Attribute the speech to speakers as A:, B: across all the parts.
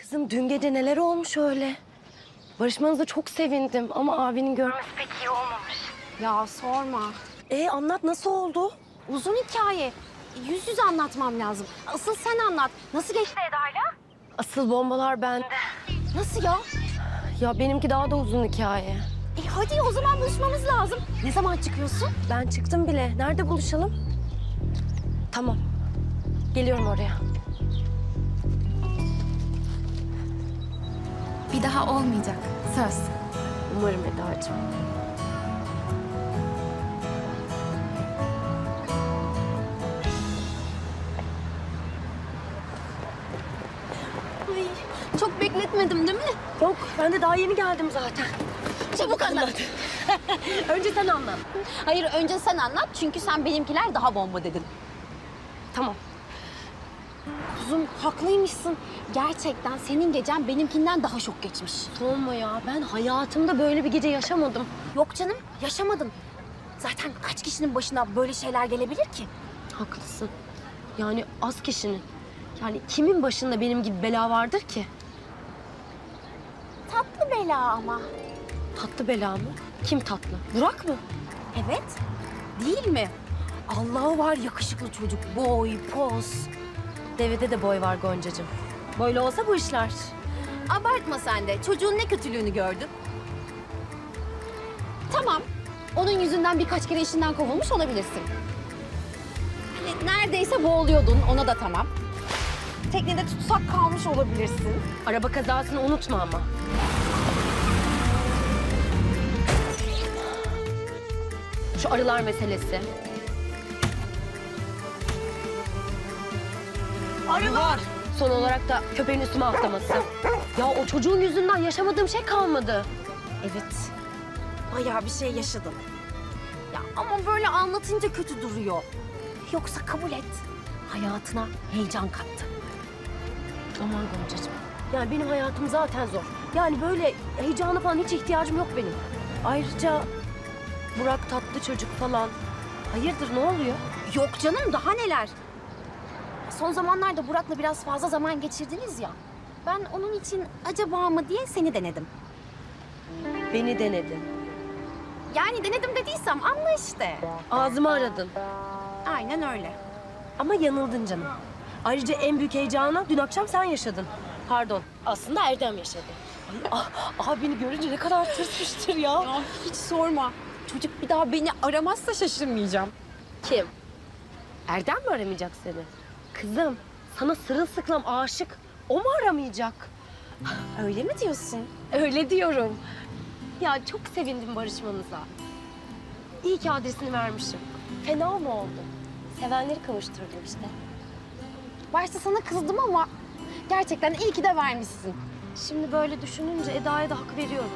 A: Kızım dün gece neler olmuş öyle? Barışmanıza çok sevindim ama abinin görmesi pek iyi olmamış.
B: Ya sorma.
A: Anlat nasıl oldu?
B: Uzun hikaye. Yüz yüze anlatmam lazım. Asıl sen anlat. Nasıl geçti Eda'yla?
A: Asıl bombalar bende.
B: Nasıl ya?
A: Ya benimki daha da uzun hikaye.
B: Hadi o zaman buluşmamız lazım. Ne zaman çıkıyorsun?
A: Ben çıktım bile. Nerede buluşalım? Tamam. Geliyorum oraya.
C: Bir daha olmayacak. Söz.
A: Umarım Eda'cığım.
B: Ay, çok bekletmedim değil mi?
A: Yok ben de daha yeni geldim zaten.
B: Çabuk anlat.
A: Önce sen anlat.
B: Hayır önce sen anlat çünkü sen benimkiler daha bomba dedin.
A: Tamam.
B: Kuzum haklıymışsın. Gerçekten senin gecen benimkinden daha şok geçmiş.
A: Sorma ya. Ben hayatımda böyle bir gece yaşamadım.
B: Yok canım yaşamadın. Zaten kaç kişinin başına böyle şeyler gelebilir ki?
A: Haklısın. Yani az kişinin. Yani kimin başında benim gibi bela vardır ki?
B: Tatlı bela ama.
A: Tatlı bela mı? Kim tatlı? Burak mı?
B: Evet. Değil mi? Allah'ı var yakışıklı çocuk. Boy, poz.
A: Devede de boy var Goncacığım. Böyle olsa bu işler.
B: Abartma sen de. Çocuğun ne kötülüğünü gördün? Tamam. Onun yüzünden birkaç kere işinden kovulmuş olabilirsin. Hani neredeyse boğuluyordun. Ona da tamam. Teknede tutsak kalmış olabilirsin.
A: Araba kazasını unutma ama. Şu arılar meselesi. Arılar! Son olarak da köpeğin üstüme atlaması. Ya o çocuğun yüzünden yaşamadığım şey kalmadı.
B: Evet. Bayağı bir şey yaşadın. Ya ama böyle anlatınca kötü duruyor. Yoksa kabul et. Hayatına heyecan kattı.
A: Aman Goncacığım. Yani benim hayatım zaten zor. Yani böyle heyecana falan hiç ihtiyacım yok benim. Ayrıca Burak tatlı çocuk falan. Hayırdır ne oluyor?
B: Yok canım daha neler. Son zamanlarda Burak'la biraz fazla zaman geçirdiniz ya. Ben onun için acaba mı diye seni denedim.
A: Beni denedin.
B: Yani denedim dediysem anla işte.
A: Ağzımı aradın.
B: Aynen öyle.
A: Ama yanıldın canım. Ayrıca en büyük heyecanı dün akşam sen yaşadın. Pardon. Aslında Erdem yaşadı. Ay, abini görünce ne kadar tırsmıştır ya.
B: Ya hiç sorma. Çocuk bir daha beni aramazsa şaşırmayacağım.
A: Kim? Erdem mi aramayacak seni? Kızım, sana sırılsıklam aşık. O mu aramayacak?
B: Öyle mi diyorsun?
A: Öyle diyorum. Ya çok sevindim barışmanıza. İyi ki adresini vermişim. Fena mı oldu? Sevenleri kavuşturdum işte.
B: Başta sana kızdım ama gerçekten iyi ki de vermişsin.
A: Şimdi böyle düşününce Eda'ya da hak veriyorum.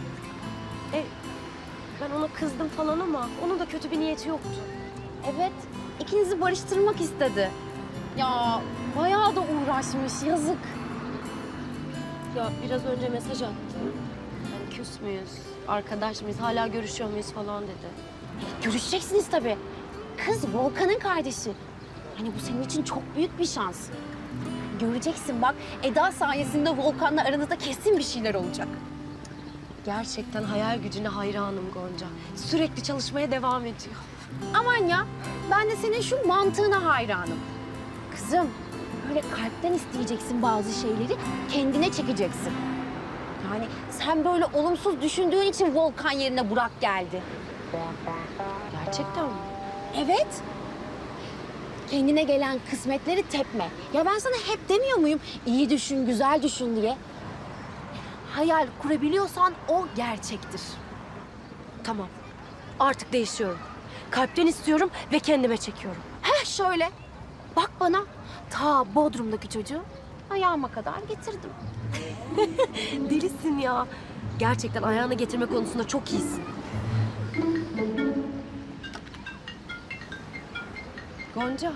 A: Ben ona kızdım falan ama onun da kötü bir niyeti yoktu.
B: Evet, ikinizi barıştırmak istedi. Ya bayağı da uğraşmış, yazık.
A: Ya biraz önce mesaj attı. Yani küs müyüz, arkadaş mıyız, hala görüşüyor muyuz falan dedi.
B: Görüşeceksiniz tabii. Kız Volkan'ın kardeşi. Hani bu senin için çok büyük bir şans. Göreceksin bak, Eda sayesinde Volkan'la aranızda kesin bir şeyler olacak.
A: Gerçekten hayal gücüne hayranım Gonca. Sürekli çalışmaya devam ediyor.
B: Aman ya, ben de senin şu mantığına hayranım. Kızım, böyle kalpten isteyeceksin bazı şeyleri, kendine çekeceksin. Yani sen böyle olumsuz düşündüğün için Volkan yerine Burak geldi.
A: Gerçekten mi?
B: Evet. Kendine gelen kısmetleri tepme. Ya ben sana hep demiyor muyum? İyi düşün, güzel düşün diye. Hayal kurabiliyorsan o gerçektir.
A: Tamam. Artık değişiyorum. Kalpten istiyorum ve kendime çekiyorum.
B: Heh şöyle. Bak bana. Ta Bodrum'daki çocuğu ayağıma kadar getirdim.
A: Delisin ya. Gerçekten ayağına getirme konusunda çok iyisin. Gonca.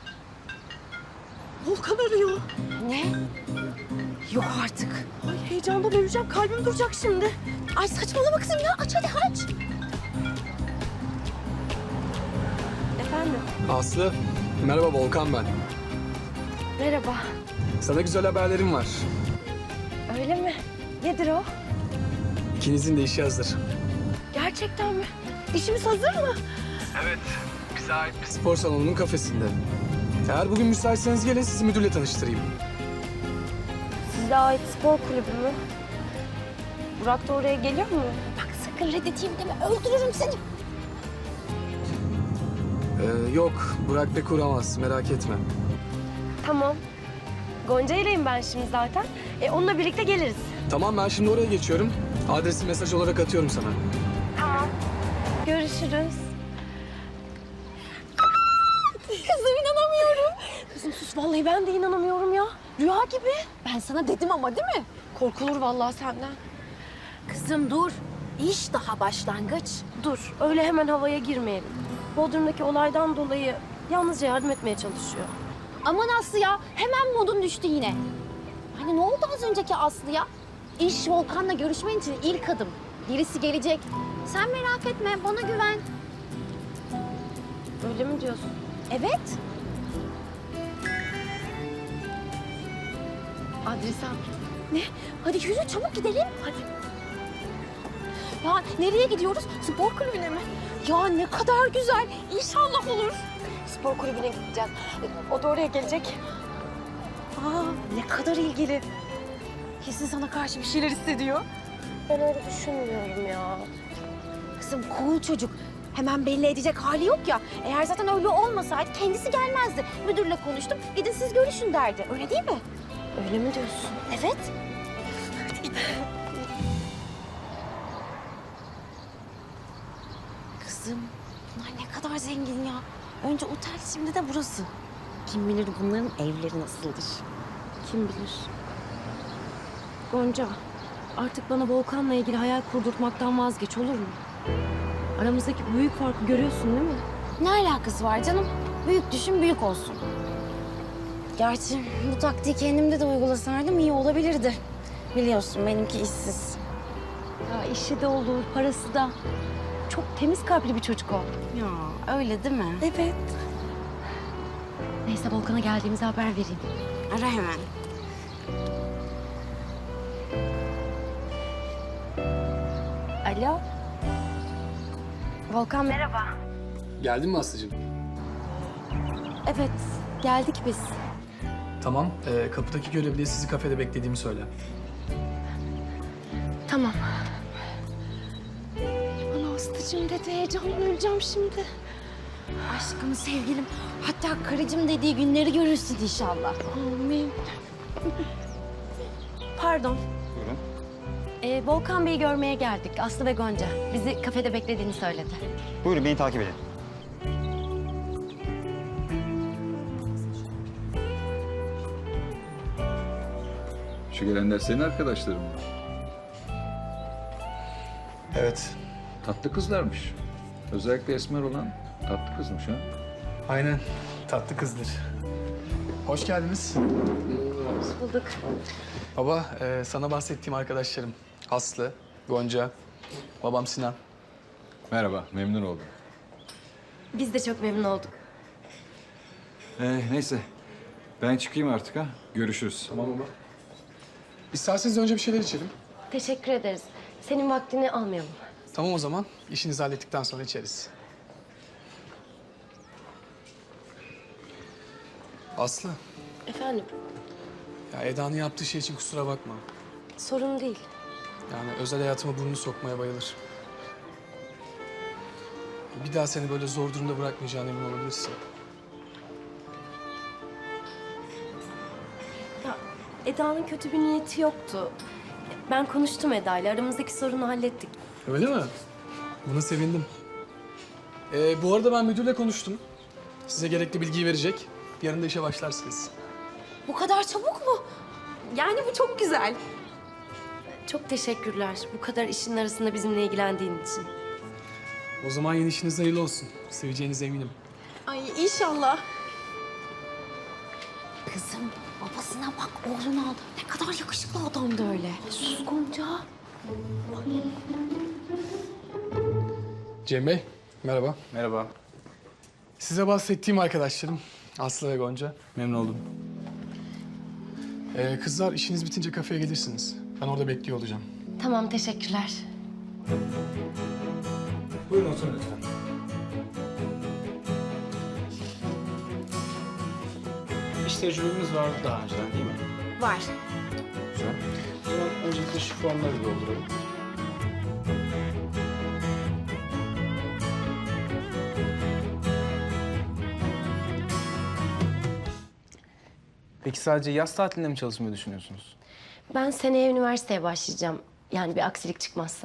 A: Volkan arıyor.
B: Ne?
A: Yok artık. Ay heyecandan öleceğim. Kalbim duracak şimdi.
B: Ay saçmalama kızım ya. Aç hadi aç.
A: Efendim?
D: Aslı, merhaba Volkan ben.
A: Merhaba.
D: Sana güzel haberlerim var.
A: Öyle mi? Nedir o?
D: İkinizin de işi hazır.
A: Gerçekten mi? İşimiz hazır mı?
D: Evet. Bize ait bir spor salonunun kafesinde. Eğer bugün müsaitseniz gelin sizi müdürle tanıştırayım.
A: Size ait spor kulübü mü? Burak da oraya geliyor mu?
B: Bak sakın reddedeyim deme, öldürürüm seni.
D: Yok, Burak pek uğramaz. Merak etme.
A: Tamam. Gonca ileyim ben şimdi zaten. Onunla birlikte geliriz.
D: Tamam, ben şimdi oraya geçiyorum. Adresi mesaj olarak atıyorum sana.
A: Görüşürüz.
B: Kızım inanamıyorum.
A: Kızım sus vallahi ben de inanamıyorum ya. Rüya gibi.
B: Ben sana dedim ama değil mi?
A: Korkulur vallahi senden.
B: Kızım dur. İş daha başlangıç.
A: Dur öyle hemen havaya girmeyelim. Bodrum'daki olaydan dolayı yalnızca yardım etmeye çalışıyor.
B: Aman Aslı ya, hemen modun düştü yine. Hani ne oldu az önceki Aslı ya? İş Volkan'la görüşmen için ilk adım. Birisi gelecek. Sen merak etme, bana güven.
A: Öyle mi diyorsun?
B: Evet. Adresi al. Ne? Hadi yürü çabuk gidelim. Hadi. Ya nereye gidiyoruz? Spor kulübüne mi? Ya ne kadar güzel. İnşallah olur.
A: Spor kulübüne gideceğiz. O da oraya gelecek.
B: Aa, ne kadar ilgili. Kesin sana karşı bir şeyler hissediyor.
A: Ben öyle düşünmüyorum ya.
B: Kızım cool çocuk. Hemen belli edecek hali yok ya. Eğer zaten öyle olmasaydı kendisi gelmezdi. Müdürle konuştum. Gidin siz görüşün derdi. Öyle değil mi?
A: Öyle mi diyorsun?
B: Evet. Kızım bunlar ne kadar zengin ya. Önce otel şimdi de burası. Kim bilir bunların evleri nasıldır.
A: Kim bilir? Gonca, artık bana Volkan'la ilgili hayal kurdurtmaktan vazgeç olur mu? Aramızdaki büyük farkı görüyorsun değil mi?
B: Ne alakası var canım? Büyük düşün büyük olsun. Gerçi bu taktiği kendimde de uygulasaydım iyi olabilirdi. Biliyorsun benimki işsiz.
A: Ya işi de olur, parası da. Çok temiz kalpli bir çocuk o.
B: Ya öyle değil mi?
A: Evet. Neyse Volkan'a geldiğimizi haber vereyim.
B: Ara hemen.
A: Alo. Volkan merhaba.
D: Geldin mi Aslı'cığım?
A: Evet, geldik biz.
D: Tamam, kapıdaki görevliye sizi kafede beklediğimi söyle.
A: Tamam. Bana Aslı'cığım dedi, heyecandan öleceğim şimdi.
B: Aşkım, sevgilim, hatta karıcığım dediği günleri görürsün inşallah.
A: Amin. Pardon.
E: Buyurun.
A: Volkan Bey'i görmeye geldik. Aslı ve Gonca. Bizi kafede beklediğini söyledi.
E: Buyurun beni takip edin.
F: Şu gelenler senin arkadaşların mı?
D: Evet.
F: Tatlı kızlarmış. Özellikle esmer olan tatlı kızmış ha.
D: Aynen. Tatlı kızdır. Hoş geldiniz.
A: Bulduk.
D: Baba, sana bahsettiğim arkadaşlarım. Aslı, Gonca, babam Sinan.
F: Merhaba, memnun oldum.
A: Biz de çok memnun olduk.
F: Neyse, ben çıkayım artık ha. Görüşürüz.
D: Tamam baba. İsterseniz önce bir şeyler içelim.
A: Teşekkür ederiz. Senin vaktini almayalım.
D: Tamam o zaman. İşinizi hallettikten sonra içeriz. Aslı,
A: Efendim,
D: ya Eda'nın yaptığı şey için kusura bakma.
A: sorun değil.
D: Yani özel hayatıma burnunu sokmaya bayılır. Bir daha seni böyle zor durumda bırakmayacağına emin olabilirsin.
A: Ya Eda'nın kötü bir niyeti yoktu. Ben konuştum Eda'yla. Aramızdaki sorunu hallettik.
D: Öyle mi? Buna sevindim. Bu arada ben müdürle konuştum. Size gerekli bilgiyi verecek. Yarın da işe başlarsınız.
B: Bu kadar çabuk mu? Yani bu çok güzel.
A: Çok teşekkürler bu kadar işin arasında bizimle ilgilendiğin için.
D: O zaman yeni işiniz hayırlı olsun. Seveceğinize eminim.
B: Ay inşallah. Kızım babasına bak, oğlunu al. Ne kadar yakışıklı adamdı öyle.
A: Sus Gonca.
D: Cem Bey, merhaba.
E: Merhaba.
D: Size bahsettiğim arkadaşlarım Aslı ve Gonca.
E: Memnun oldum.
D: Kızlar işiniz bitince kafeye gelirsiniz. Ben orada bekliyor olacağım.
A: Tamam, teşekkürler.
G: Buyurun oturun lütfen. İş tecrübemiz vardı daha önceden değil mi?
B: Var.
G: Güzel. O zaman öncelikle şu formları dolduralım.
H: Peki sadece yaz tatilinde mi çalışmayı düşünüyorsunuz?
A: Ben seneye üniversiteye başlayacağım. Yani bir aksilik çıkmazsa.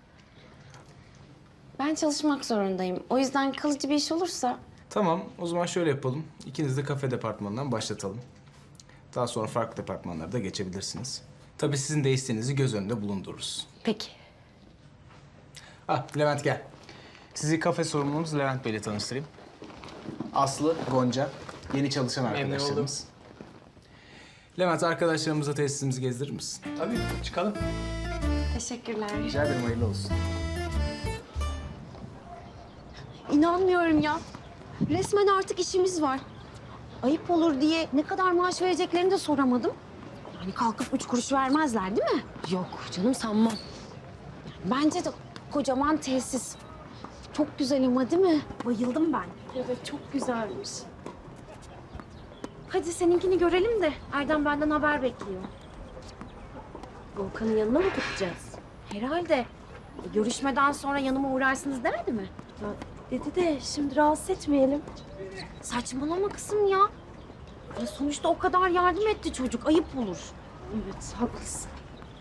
B: Ben çalışmak zorundayım. O yüzden kalıcı bir iş olursa...
H: Tamam, o zaman şöyle yapalım. İkiniz de kafe departmanından başlatalım. Daha sonra farklı departmanlara da geçebilirsiniz. Tabii sizin de isteğinizi göz önünde bulundururuz.
A: Peki.
H: Levent gel. Sizi kafe sorumlumuz Levent Bey'le tanıştırayım. Aslı, Gonca, yeni çalışan arkadaşlarımız. Levent, arkadaşlarımıza tesisimizi gezdirir misin?
D: Tabii, çıkalım.
B: Teşekkürler.
H: Rica ederim, hayırlı olsun.
B: İnanmıyorum ya. Resmen artık işimiz var. Ayıp olur diye ne kadar maaş vereceklerini de soramadım. Yani kalkıp 3 kuruş vermezler değil mi?
A: Yok canım, sanmam.
B: Bence de kocaman tesis. Çok güzel ama değil mi? Bayıldım ben.
A: Evet, çok güzelmiş.
B: Hadi seninkini görelim de Erdem benden haber bekliyor.
A: Volkan'ın yanına mı gideceğiz?
B: Herhalde. Görüşmeden sonra yanıma uğrarsınız demedi mi?
A: Ya, dedi de şimdi rahatsız etmeyelim.
B: Saçmalama kızım ya. Ya sonuçta o kadar yardım etti çocuk. Ayıp olur.
A: Evet, haklısın.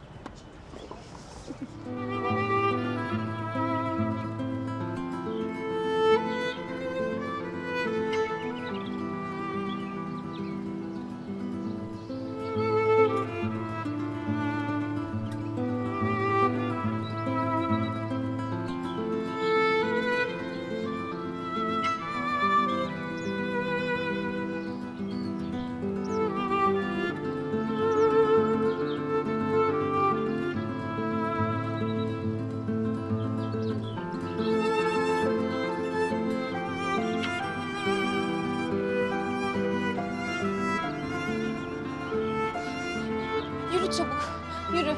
B: Yürü çabuk. Yürü.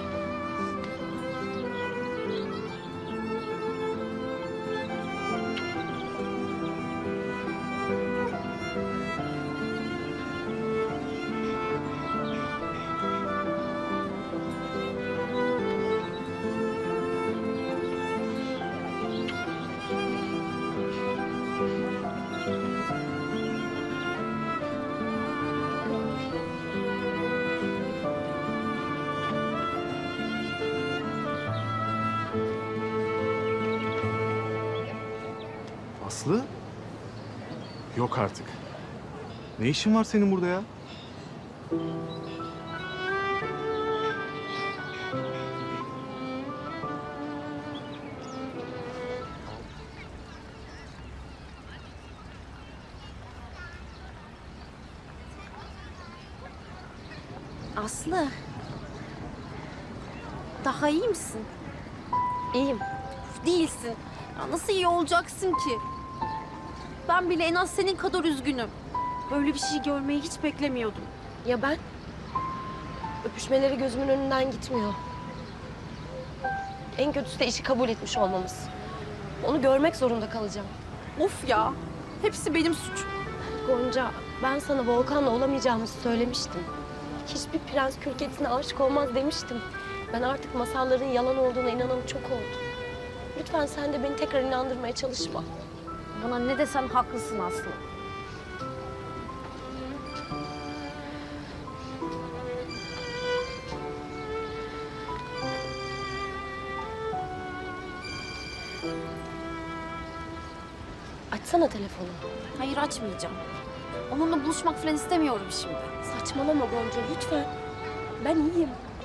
I: Aslı? Yok artık. Ne işin var senin burada ya?
B: Aslı. Daha iyi misin?
A: İyiyim.
B: Değilsin. Ya nasıl iyi olacaksın ki? Ben bile en az senin kadar üzgünüm. Böyle bir şey görmeyi hiç beklemiyordum.
A: Ya ben? Öpüşmeleri gözümün önünden gitmiyor. En kötüsü de işi kabul etmiş olmamız. Onu görmek zorunda kalacağım.
B: Of ya. Hepsi benim suçum.
A: Gonca, ben sana Volkan'la olamayacağımızı söylemiştim. Hiçbir prens kül kedisine aşık olmaz demiştim. Ben artık masalların yalan olduğuna inanan çok oldu. Lütfen sen de beni tekrar inandırmaya çalışma.
B: Bana ne desem haklısın Aslı.
A: Açsana telefonu.
B: Hayır açmayacağım. Onunla buluşmak falan istemiyorum şimdi.
A: Saçmalama Gonca, lütfen. Ben iyiyim.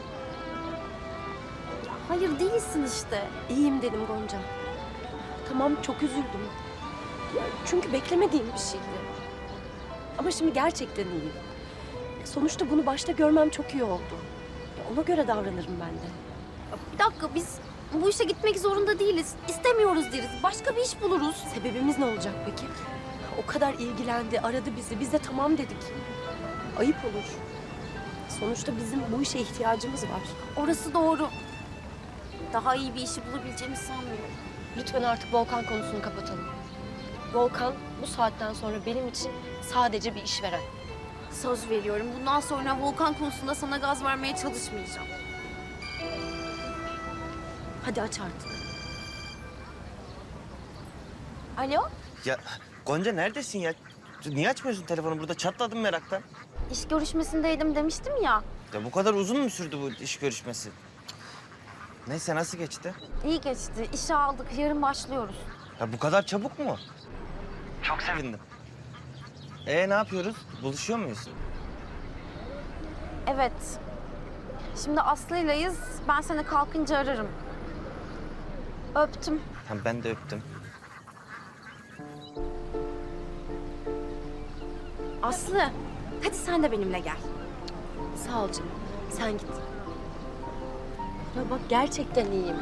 B: Hayır değilsin işte.
A: İyiyim dedim Gonca. Tamam, çok üzüldüm. Ya, çünkü beklemediğim bir şeydi. Ama şimdi gerçekten iyiyim. Sonuçta bunu başta görmem çok iyi oldu. Ya, ona göre davranırım ben de.
B: Bir dakika biz bu işe gitmek zorunda değiliz. İstemiyoruz deriz. Başka bir iş buluruz.
A: Sebebimiz ne olacak peki? O kadar ilgilendi, aradı bizi. Biz de tamam dedik. Ayıp olur. Sonuçta bizim bu işe ihtiyacımız var.
B: Orası doğru. Daha iyi bir işi bulabileceğimi sanmıyorum.
A: Lütfen artık Volkan konusunu kapatalım. Volkan bu saatten sonra benim için sadece bir işveren.
B: Söz veriyorum. Bundan sonra Volkan konusunda sana gaz vermeye çalışmayacağım.
A: Hadi aç artık.
B: Alo?
J: Ya Gonca neredesin ya? Niye açmıyorsun telefonu? Burada çatladım meraktan.
B: İş görüşmesindeydim demiştim ya.
J: Ya bu kadar uzun mu sürdü bu iş görüşmesi? Neyse nasıl geçti?
B: İyi geçti. İşe aldık. Yarın başlıyoruz.
J: Ya bu kadar çabuk mu? Çok sevindim. Ne yapıyoruz? Buluşuyor muyuz?
B: Evet. Şimdi Aslı'ylayız. Ben seni kalkınca ararım. Öptüm.
J: Ha, ben de öptüm.
B: Aslı, hadi sen de benimle gel.
A: Sağ ol canım. Sen git. Ya bak gerçekten iyiyim.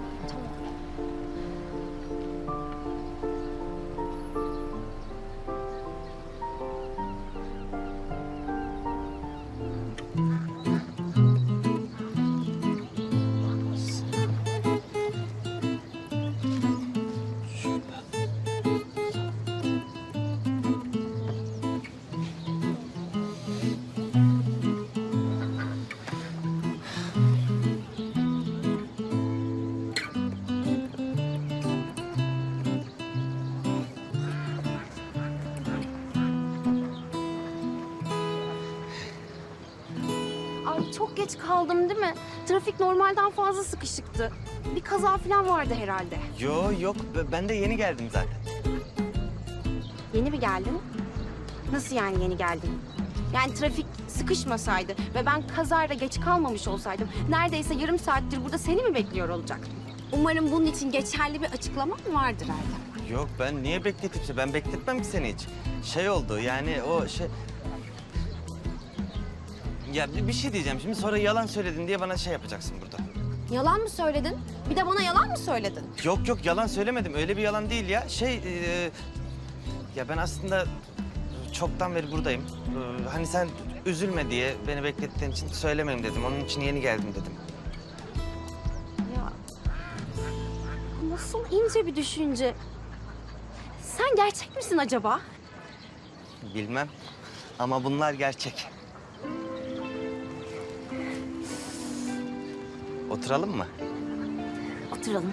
B: Ay çok geç kaldım değil mi? Trafik normalden fazla sıkışıktı. Bir kaza falan vardı herhalde.
J: Yok ben de yeni geldim zaten.
B: Yeni mi geldin? Nasıl yani yeni geldin? Yani trafik sıkışmasaydı ve ben kazayla geç kalmamış olsaydım neredeyse yarım saattir burada seni mi bekliyor olacaktım? Umarım bunun için geçerli bir açıklama mı vardır Erdem?
J: Yok ben niye bekletip ben bekletmem ki seni hiç. Şey oldu yani o şey... Ya bir şey diyeceğim şimdi sonra yalan söyledin diye bana şey yapacaksın burada.
B: Yalan mı söyledin? Bir de bana yalan mı söyledin?
J: Yok yalan söylemedim öyle bir yalan değil ya. Ya ben aslında çoktan beri buradayım. Hani sen üzülme diye beni beklettiğin için söylemeyeyim dedim. Onun için yeni geldim dedim.
B: Ya nasıl ince bir düşünce. Sen gerçek misin acaba?
J: Bilmem ama bunlar gerçek. Oturalım mı?
B: Oturalım.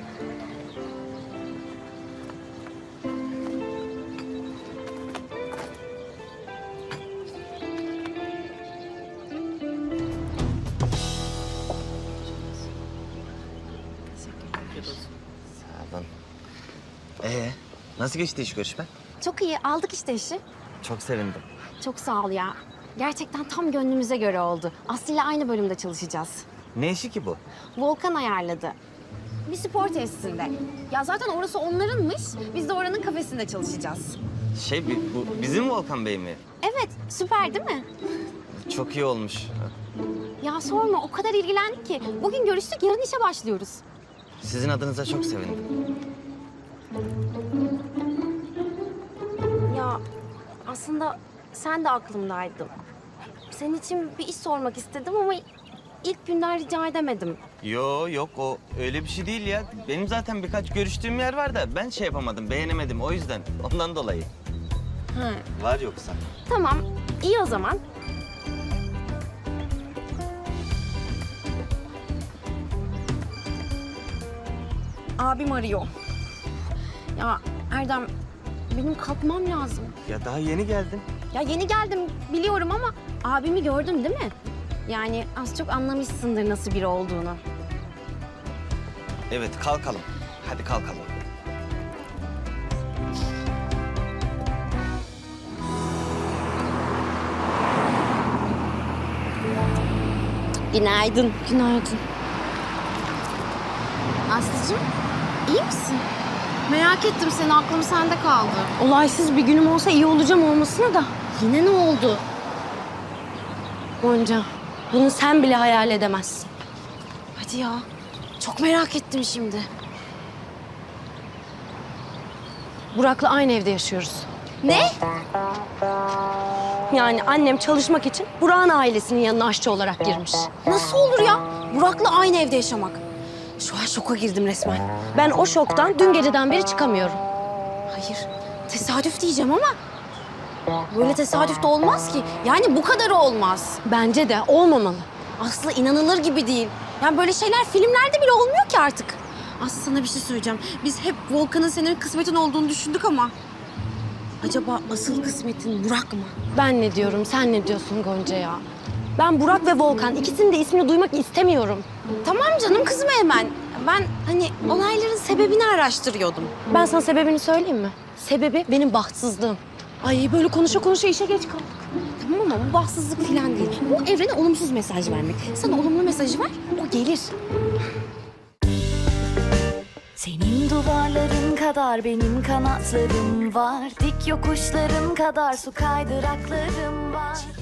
J: Sağ olun. Nasıl geçti iş görüşme?
B: Çok iyi. Aldık işte işi.
J: Çok sevindim.
B: Çok sağ ol ya. Gerçekten tam gönlümüze göre oldu. Aslı ile aynı bölümde çalışacağız.
J: Ne işi ki bu?
B: Volkan ayarladı. Bir spor tesisinde. Ya zaten orası onlarınmış. Biz de oranın kafesinde çalışacağız.
J: Bu bizim Volkan Bey mi?
B: Evet, süper değil mi?
J: Çok iyi olmuş.
B: Ya sorma, o kadar ilgilendik ki. Bugün görüştük, yarın işe başlıyoruz.
J: Sizin adınıza çok sevindim.
B: Ya aslında sen de aklımdaydın. Senin için bir iş sormak istedim ama ilk günden rica edemedim.
J: Yok o öyle bir şey değil ya. Benim zaten birkaç görüştüğüm yer var da ben şey yapamadım, beğenemedim o yüzden. Ondan dolayı.
B: Ha.
J: Var yoksa.
B: Tamam, iyi o zaman. Abim arıyor. Ya Erdem, benim kalkmam lazım.
J: Ya daha yeni geldin.
B: Ya yeni geldim biliyorum ama abimi gördün değil mi? Yani az çok anlamışsındır nasıl biri olduğunu.
J: Evet kalkalım. Hadi kalkalım.
B: Günaydın. Günaydın. Aslıcığım, iyi misin? Merak ettim seni, aklım sende kaldı.
A: Olaysız bir günüm olsa iyi olacağım olmasına da.
B: Yine ne oldu?
A: Gonca, bunu sen bile hayal edemezsin.
B: Hadi ya, çok merak ettim şimdi.
A: Burak'la aynı evde yaşıyoruz.
B: Ne?
A: Yani annem çalışmak için Burak'ın ailesinin yanına aşçı olarak girmiş.
B: Nasıl olur ya? Burak'la aynı evde yaşamak. Şu an şoka girdim resmen.
A: Ben o şoktan dün geceden beri çıkamıyorum.
B: Hayır, tesadüf diyeceğim ama böyle tesadüf de olmaz ki. Yani bu kadarı olmaz.
A: Bence de olmamalı.
B: Aslı inanılır gibi değil. Yani böyle şeyler filmlerde bile olmuyor ki artık. Aslı sana bir şey söyleyeceğim. Biz hep Volkan'ın senin kısmetin olduğunu düşündük ama... Acaba asıl kısmetin Burak mı?
A: Ben ne diyorum, sen ne diyorsun Gonca ya? Ben Burak ve Volkan ikisinin de ismini duymak istemiyorum.
B: Tamam canım kızma hemen. Ben hani olayların sebebini araştırıyordum.
A: Ben sana sebebini söyleyeyim mi? Sebebi benim bahtsızlığım. Ay böyle konuşa konuşa işe geç kaldık.
B: Tamam ama bu bahtsızlık falan değil. Bu evrene olumsuz mesaj vermek. Sana olumlu mesajı ver, o gelir.
K: Senin duvarların kadar benim kanatlarım var. Dik yokuşların kadar su kaydıraklarım var.